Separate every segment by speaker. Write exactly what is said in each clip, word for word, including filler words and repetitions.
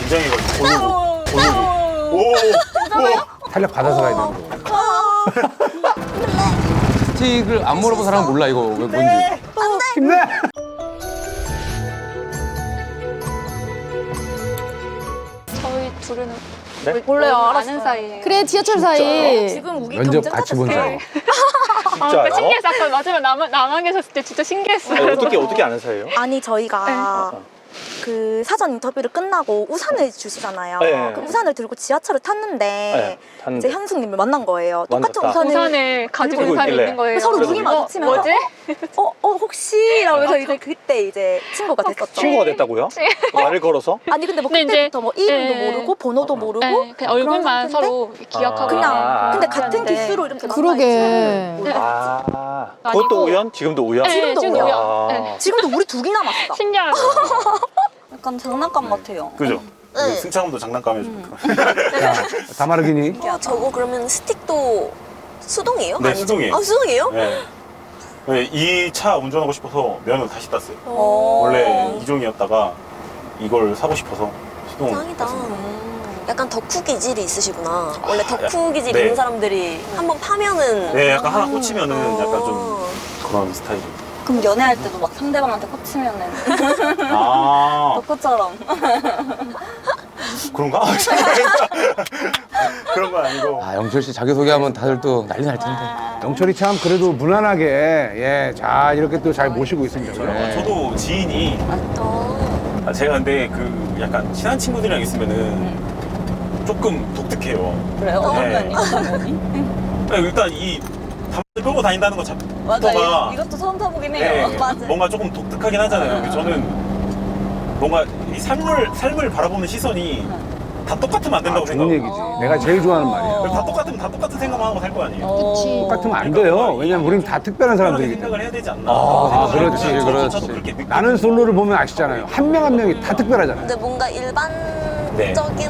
Speaker 1: 긴장해가지고. 오, 오, 오,
Speaker 2: 탄력 받아서 가야 되는 거.
Speaker 3: 스틱을 안 물어본 사람은 몰라 이거 왜 뭔지.
Speaker 2: 힘내!
Speaker 4: 저희 둘은
Speaker 1: 네?
Speaker 4: 원래 아는 사이예요.
Speaker 5: 그래 지하철 사이.
Speaker 4: 지금 우리
Speaker 2: 면접 같이 본 사이.
Speaker 4: 아, 그러니까 신기했어. 아까 마지막에 나만, 나만 계셨을 때 진짜 신기했어요.
Speaker 1: 아니, 어떻게 어떻게 아는 사이예요?
Speaker 6: 아니 저희가 그 사전 인터뷰를 끝나고 우산을 주시잖아요.
Speaker 1: 네.
Speaker 6: 그 우산을 들고 지하철을 탔는데
Speaker 1: 네, 탔는데.
Speaker 6: 이제 현숙님을 만난 거예요. 똑같은
Speaker 1: 만났다.
Speaker 6: 우산을
Speaker 4: 우산을 가지고
Speaker 1: 들고
Speaker 4: 사람이
Speaker 1: 있길래.
Speaker 4: 있는 거예요.
Speaker 6: 서로
Speaker 1: 그래서
Speaker 6: 눈이
Speaker 1: 우리-
Speaker 6: 마주치면서
Speaker 4: 뭐지?
Speaker 6: 어, 어 혹시? 이러면서 이제 그때 이제 친구가 됐었죠.
Speaker 1: 친구가 됐다고요? 말을 걸어서?
Speaker 6: 아니 근데 뭐
Speaker 4: 근데
Speaker 6: 그때부터 뭐 이름도
Speaker 4: 네.
Speaker 6: 모르고 번호도 모르고
Speaker 4: 네, 그냥
Speaker 6: 그런
Speaker 4: 얼굴만
Speaker 6: 상태인데
Speaker 4: 서로 기억하고
Speaker 6: 그냥
Speaker 1: 아.
Speaker 6: 근데 같은
Speaker 4: 있는데.
Speaker 6: 기수로 이렇게
Speaker 5: 그러게.
Speaker 1: 아,
Speaker 4: 아니고-
Speaker 1: 그것도 우연? 지금도 우연?
Speaker 4: 네,
Speaker 6: 지금도
Speaker 4: 지금도
Speaker 6: 우연.
Speaker 4: 우연. 네.
Speaker 1: 아,
Speaker 6: 지금도 우리 둘이 남았어.
Speaker 4: 신기하죠.
Speaker 6: 약간 장난감 같아요.
Speaker 1: 그죠?
Speaker 7: 네.
Speaker 1: 승차감도 장난감이죠.
Speaker 2: 야, 다마르기니?
Speaker 7: 야, 저거 그러면 스틱도 수동이에요?
Speaker 1: 네,
Speaker 7: 아니죠?
Speaker 1: 수동이에요.
Speaker 7: 아, 수동이에요?
Speaker 1: 네. 이 차 운전하고 싶어서 면허 다시 땄어요.
Speaker 7: 어.
Speaker 1: 원래 이종이었다가 이걸 사고 싶어서 수동.
Speaker 7: 짱이다. 약간 덕후 기질이 있으시구나. 원래 덕후 기질
Speaker 1: 네.
Speaker 7: 있는 사람들이 한번 파면은
Speaker 1: 네, 약간 하나 꽂히면은 약간 좀
Speaker 7: 어.
Speaker 1: 그런 스타일이에요.
Speaker 6: 그럼 연애할 때도 막 상대방한테 꽂히면은
Speaker 1: 아,
Speaker 6: 덕후처럼.
Speaker 1: 그런가? 그런 건 아니고.
Speaker 3: 아 영철 씨 자기 소개하면 다들 또 난리 날 텐데.
Speaker 2: 영철이 참 그래도 무난하게 예, 자 이렇게 또 잘 모시고 있습니다.
Speaker 1: 저- 저도 지인이
Speaker 7: 어.
Speaker 1: 아, 제가 근데 그 약간 친한 친구들이랑 있으면은 조금 독특해요.
Speaker 6: 그래요?
Speaker 1: 어떤
Speaker 6: 어떤
Speaker 1: 면이?
Speaker 6: 면이?
Speaker 1: 일단 이 담배 끌고 다닌다는 것
Speaker 6: 맞아,
Speaker 1: 자체가
Speaker 6: 이- 이것도 처음 타보긴
Speaker 1: 네,
Speaker 6: 해요. 맞아.
Speaker 1: 뭔가 조금 독특하긴 하잖아요. 그래서 저는 뭔가 이 삶을 삶을 바라보는 시선이 다 똑같으면 안
Speaker 2: 아,
Speaker 1: 된다고
Speaker 2: 좋은
Speaker 1: 생각해요.
Speaker 2: 얘기지. 내가 제일 좋아하는 말이야.
Speaker 1: 다 똑같으면 다 똑같은 생각만 하고 살 거 아니에요.
Speaker 2: 똑같으면 안 돼요. 왜냐면 우리는 다 특별한
Speaker 1: 특별하게
Speaker 2: 사람들이기
Speaker 1: 생각을
Speaker 2: 때문에.
Speaker 1: 해야 되지 않나.
Speaker 2: 아,
Speaker 1: 생각을
Speaker 2: 그렇지,
Speaker 1: 해요.
Speaker 3: 그렇지.
Speaker 1: 저도 그렇게 느끼-
Speaker 2: 나는 솔로를 보면 아시잖아요. 한 명 한 명이 다 특별하잖아요.
Speaker 7: 근데 뭔가 일반적인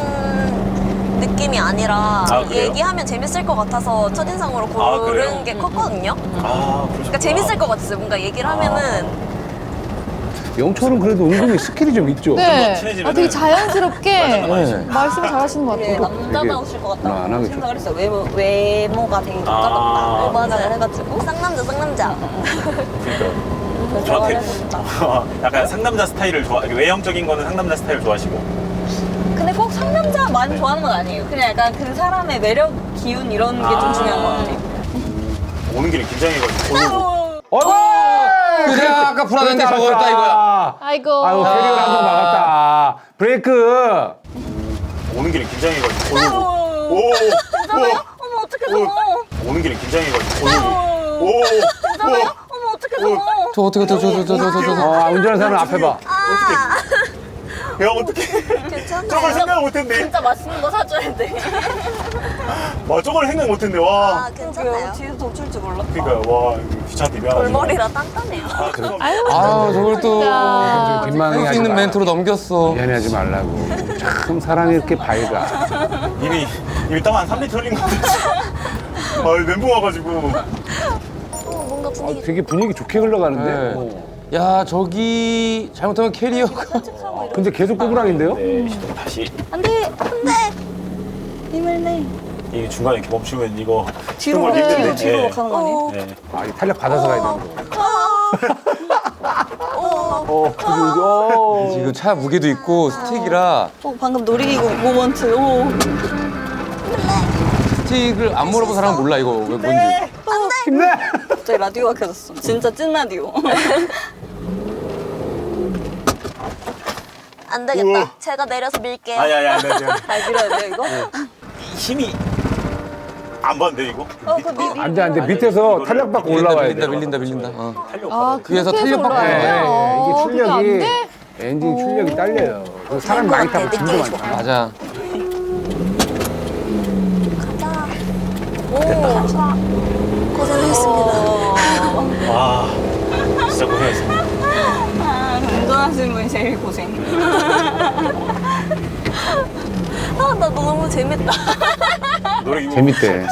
Speaker 7: 느낌이 아니라
Speaker 1: 아, 그래요?
Speaker 7: 얘기하면 재밌을 것 같아서 첫인상으로
Speaker 1: 아,
Speaker 7: 고른
Speaker 1: 그래요?
Speaker 7: 게 컸거든요.
Speaker 1: 아,
Speaker 7: 그러니까 재밌을 것 같았어요. 뭔가 얘기를 하면은
Speaker 2: 영철은 그래도 은근히 스킬이 좀 있죠.
Speaker 5: 네.
Speaker 1: 친해지면은-
Speaker 5: 아, 되게 자연스럽게
Speaker 3: 네.
Speaker 5: 말씀 잘하시는 것 같아요.
Speaker 6: 남자다우실 것 같다고
Speaker 2: 무난하게
Speaker 6: 생각을 했어요. 외모, 외모가 되게 똑같다.
Speaker 1: 아.
Speaker 6: 맞아요. 해가지고.
Speaker 7: 쌍남자 쌍남자.
Speaker 1: 그러니까 저한테 약간 상남자 스타일을 좋아, 외형적인 거는 상남자 스타일 좋아하시고.
Speaker 6: 근데 꼭 상남자만 좋아하는 건 아니에요. 그냥 약간 그 사람의 매력, 기운 이런 게 좀
Speaker 1: 아.
Speaker 6: 중요한 것 같아요.
Speaker 1: 오는 길에 긴장해가지고.
Speaker 2: 어이구!
Speaker 3: 그래 아까 불안한 게 저거였다 이거야.
Speaker 5: 아이고.
Speaker 2: 아이고, 캐리어를 한번 막았다. 브레이크!
Speaker 1: 오는 길에 긴장해가지고. 오, 오,
Speaker 6: 어머, 어떡해, 저거.
Speaker 1: 오, 오는 길에 긴장해가지고. 오, 오,
Speaker 6: 어머, 어떡해, 저거.
Speaker 3: 저 어떻게 저 저 저 저 저 저.
Speaker 2: 어, 운전하는 사람 앞에 봐.
Speaker 1: 야, 어떡해.
Speaker 7: 괜찮아요.
Speaker 1: 저걸 생각 못했네.
Speaker 6: 진짜 맛있는 거 사줘야 돼.
Speaker 1: 와, 저걸 생각 못했네,
Speaker 7: 아,
Speaker 1: 와.
Speaker 7: 괜찮아요.
Speaker 6: 뒤에서 덮칠 줄 몰랐다.
Speaker 1: 그러니까, 와, 귀찮게 미안하지.
Speaker 7: 골머리라 단단해요.
Speaker 1: 아, 그럼.
Speaker 3: 아 저걸 또
Speaker 5: 진짜.
Speaker 2: 뒷망이
Speaker 3: 할 수
Speaker 2: 하지
Speaker 3: 있는
Speaker 2: 마라.
Speaker 3: 멘트로 넘겼어.
Speaker 2: 미안해하지 말라고. 참 사랑이 이렇게 밝아.
Speaker 1: 이미, 이미 땀 한 삼 리터 흘린 것 같아. 아, 멘붕 와가지고.
Speaker 7: 어, 뭔가
Speaker 2: 어,
Speaker 7: 분위기
Speaker 2: 되게 분위기 좋게 흘러가는데?
Speaker 3: 네.
Speaker 2: 어.
Speaker 3: 야 저기 잘못하면 캐리어가.
Speaker 2: 근데 계속 꼬부랑인데요?
Speaker 1: 네, 시동 다시.
Speaker 6: 안 돼, 안 돼. 힘을 내.
Speaker 1: 이 중간에 이렇게 멈추면 이거.
Speaker 6: 뒤로,
Speaker 1: 정말
Speaker 6: 뒤로,
Speaker 1: 힘든데.
Speaker 6: 뒤로
Speaker 1: 네.
Speaker 6: 가는 거 아니에요?
Speaker 1: 네.
Speaker 2: 아, 이 탄력 받아서 가야 되는 거. 어, 그게 이제, 어.
Speaker 3: 지금 차 무게도 있고 스틱이라
Speaker 6: 어, 방금 놀이기구 모먼트. 오.
Speaker 3: 스틱을 안 물어본 사람은 몰라 이거 왜 뭔지.
Speaker 2: 힘내!
Speaker 6: 갑자기 라디오가 켜졌어. 진짜 찐 라디오.
Speaker 7: 안 되겠다.
Speaker 1: 우와.
Speaker 7: 제가 내려서 밀게요.
Speaker 1: 아니, 아니, 아니, 아니.
Speaker 6: 잘 밀어야 돼요, 이거?
Speaker 1: 힘이 안 봤는데, 이거?
Speaker 6: 어, 그 미,
Speaker 2: 안 돼, 안 돼. 밑에서 탄력 받고
Speaker 3: 밀린다
Speaker 2: 올라와야
Speaker 3: 밀린다
Speaker 2: 돼.
Speaker 3: 밀린다 밀린다. 어.
Speaker 1: 탄력
Speaker 5: 아,
Speaker 1: 받아야 돼.
Speaker 3: 위에서
Speaker 5: 그렇게 해서
Speaker 3: 탄력 받고
Speaker 5: 올라와야
Speaker 2: 네,
Speaker 5: 돼요?
Speaker 2: 이게
Speaker 5: 어, 그게 안
Speaker 2: 출력이,
Speaker 5: 돼?
Speaker 2: 엔진 출력이 딸려요. 그래서 사람 많이 타고 짐도 많잖아.
Speaker 3: 맞아.
Speaker 7: 가자. 오, 고생하셨습니다.
Speaker 1: 와, 진짜 고생했습니다.
Speaker 6: 아, 운전하시는 분이 제일 고생.
Speaker 7: 아, 나 너무 재밌다.
Speaker 1: 노래
Speaker 2: 재밌대.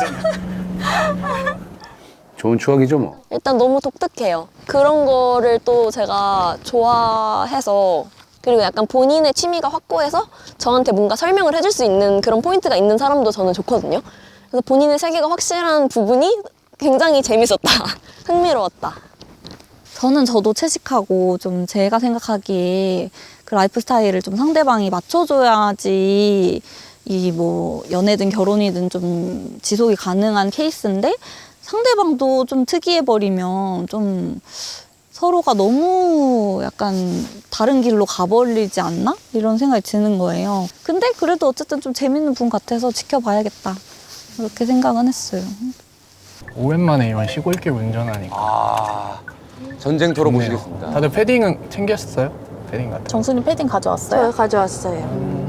Speaker 2: 좋은 추억이죠, 뭐.
Speaker 7: 일단 너무 독특해요. 그런 거를 또 제가 좋아해서 그리고 약간 본인의 취미가 확고해서 저한테 뭔가 설명을 해줄 수 있는 그런 포인트가 있는 사람도 저는 좋거든요. 그래서 본인의 세계가 확실한 부분이 굉장히 재밌었다. 흥미로웠다.
Speaker 6: 저는 저도 채식하고 좀 제가 생각하기에 그 라이프 스타일을 좀 상대방이 맞춰줘야지 이 뭐 연애든 결혼이든 좀 지속이 가능한 케이스인데 상대방도 좀 특이해버리면 좀 서로가 너무 약간 다른 길로 가버리지 않나? 이런 생각이 드는 거예요. 근데 그래도 어쨌든 좀 재밌는 분 같아서 지켜봐야겠다. 그렇게 생각은 했어요.
Speaker 8: 오랜만에 이런 시골길 운전하니까
Speaker 3: 아, 전쟁터로
Speaker 8: 좋네요.
Speaker 3: 모시겠습니다.
Speaker 8: 다들 패딩은 챙겼어요? 패딩 같은 거.
Speaker 5: 정수님 패딩 가져왔어요?
Speaker 9: 저 가져왔어요.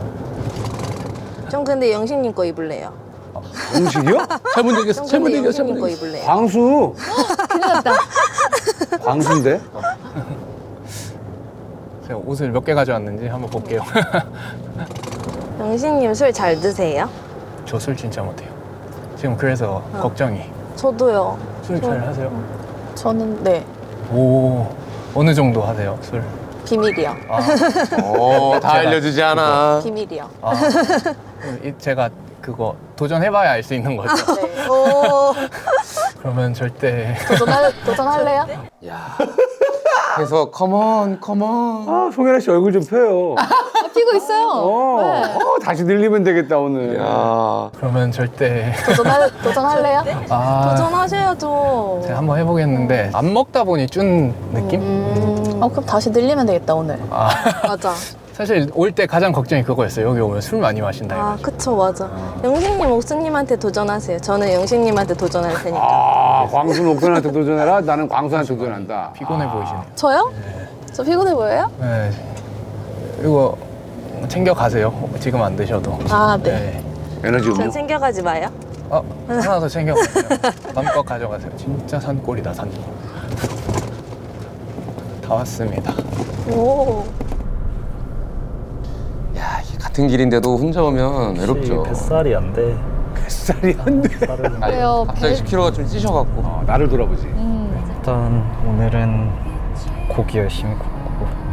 Speaker 9: 전 근데 영식님 거 입을래요.
Speaker 2: 음식이요?
Speaker 3: 잘못 얘기했어.
Speaker 9: 전
Speaker 3: 잘못
Speaker 9: 근데
Speaker 3: 얘기했어.
Speaker 9: 영식님
Speaker 3: 잘못
Speaker 9: 거
Speaker 3: 얘기했어.
Speaker 9: 입을래요.
Speaker 2: 광수.
Speaker 5: 큰일 났다.
Speaker 2: 광수인데?
Speaker 8: 제가 옷을 몇 개 가져왔는지 한번 볼게요.
Speaker 9: 영식님 술 잘 드세요?
Speaker 8: 저 술 진짜 못해요. 지금 그래서 걱정이.
Speaker 9: 저도요.
Speaker 8: 술 잘 하세요?
Speaker 5: 저는 네.
Speaker 8: 오, 어느 정도 하세요, 술?
Speaker 9: 비밀이요.
Speaker 8: 아,
Speaker 3: 어, 다
Speaker 8: 제가
Speaker 3: 알려주지 않아.
Speaker 9: 비밀이요.
Speaker 8: 아, 이- 제가 그거 도전해봐야 알 수 있는 거죠.
Speaker 9: 네. 오.
Speaker 8: 그러면 절대
Speaker 5: 도전할, 도전할래요?
Speaker 3: 야. 그래서 컴온, 컴온.
Speaker 2: 아, 송혜나 씨 얼굴 좀 펴요.
Speaker 5: 아, 피고 있어요.
Speaker 2: 어,
Speaker 5: 네.
Speaker 2: 어, 다시 늘리면 되겠다, 오늘.
Speaker 3: 야.
Speaker 8: 그러면 절대
Speaker 5: 도전할, 도전할래요?
Speaker 8: 아,
Speaker 9: 도전하셔야죠.
Speaker 8: 제가 한번 해보겠는데 안 먹다 보니 준 느낌?
Speaker 9: 음.
Speaker 5: 어, 그럼 다시 늘리면 되겠다, 오늘.
Speaker 8: 아,
Speaker 9: 맞아.
Speaker 8: 사실 올 때 가장 걱정이 그거였어요. 여기 오면 술 많이 마신다
Speaker 9: 아,
Speaker 8: 해가지고.
Speaker 9: 그쵸, 맞아. 영식님, 옥수님한테 도전하세요. 저는 영식님한테 도전할 테니까.
Speaker 2: 아, 광수는 옥선한테 도전해라. 나는 광수한테 도전한다.
Speaker 8: 피곤해 보이시네요.
Speaker 9: 저요? 저 피곤해 보여요?
Speaker 8: 네. 이거 챙겨 가세요. 지금 안 드셔도.
Speaker 9: 아, 네.
Speaker 2: 에너지 음료.
Speaker 9: 전 챙겨가지 마요.
Speaker 8: 어, 하나 더 챙겨 가세요. 마음껏 가져가세요. 진짜 산골이다, 산골. 다 왔습니다.
Speaker 9: 오.
Speaker 3: 야, 이게 같은 길인데도 혼자 오면 외롭죠.
Speaker 10: 뱃살이 안 돼.
Speaker 2: 뱃살이 안 돼.
Speaker 3: 아니,
Speaker 5: 왜요?
Speaker 3: 갑자기 십 킬로가 좀 찌셔갖고.
Speaker 2: 어, 나를 돌아보지.
Speaker 10: 일단 오늘은 고기 열심히 굽고